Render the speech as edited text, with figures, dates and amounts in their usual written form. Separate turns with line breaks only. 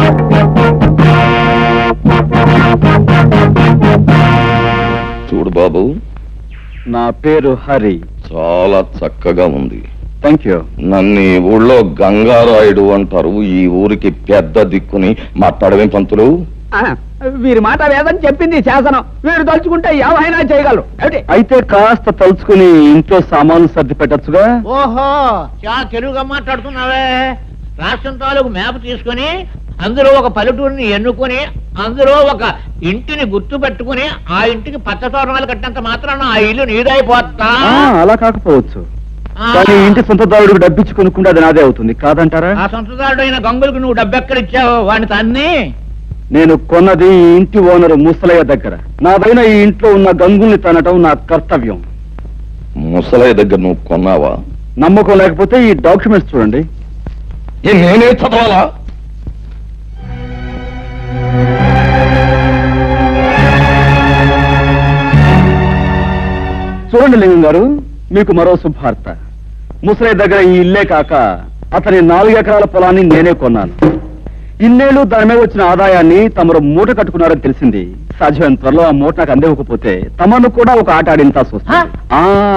చూడు బాబు,
నా పేరు హరి.
చాలా చక్కగా ఉంది.
Thank you.
నన్ను ఈ ఊళ్ళో గంగారాయుడు అంటారు. ఈ ఊరికి పెద్ద దిక్కుని మాట్లాడవేం పంతులు?
వీరి మాట వేదని చెప్పింది శాసనం. వీరు తలుచుకుంటే ఏమైనా చేయగలరు.
అయితే కాస్త తలుచుకుని ఇంట్లో సామాన్లు సర్ది పెట్టచ్చుగా.
ఓహో, చాలా తెలుగుగా మాట్లాడుతున్నావే. రాష్ట్రం తాలూకు మ్యాప్ తీసుకుని అందులో ఒక పల్లెటూరిని ఎన్నుకొని అందులో ఒక ఇంటిని గుర్తు పెట్టుకుని ఆ ఇంటికి పచ్చ తోరణాలు కట్టినంత మాత్రాన ఆ ఇల్లు నీదైపోతా.
అలా కాకపోవచ్చు, కానీ ఇంటి సొంతదారుడికి డబ్బిచ్చి కొనుక్కుంటే అది నాదే అవుతుంది కాదంటారా?
ఆ సొంతదారుడు అయిన గంగులకు నువ్వు డబ్బెక్కడిచ్చావు? వాడిని తన్ని.
నేను కొన్నది ఈ ఇంటి ఓనరు ముసలయ్య దగ్గర. నాదైన ఈ ఇంట్లో ఉన్న గంగుల్ని తనటం నా కర్తవ్యం.
ముసలయ్య దగ్గర నువ్వు కొన్నావా?
నమ్మకం లేకపోతే ఈ డాక్యుమెంట్స్ చూడండి.
నేనే చదవాలా?
చూడండి లింగం గారు, మీకు మరో శుభార్త. ముసలయ్య దగ్గర ఈ ఇల్లే కాక అతని 4 ఎకరాల పొలాన్ని నేనే కొన్నాను. ఇన్నేళ్లు దాని మీద వచ్చిన ఆదాయాన్ని తమరు మూట కట్టుకున్నారని తెలిసింది. సాధ్యమైన త్వరలో ఆ మూట నాకు అందివ్వకపోతే తమను కూడా ఒక ఆట ఆడించాల్సి వస్తుంది.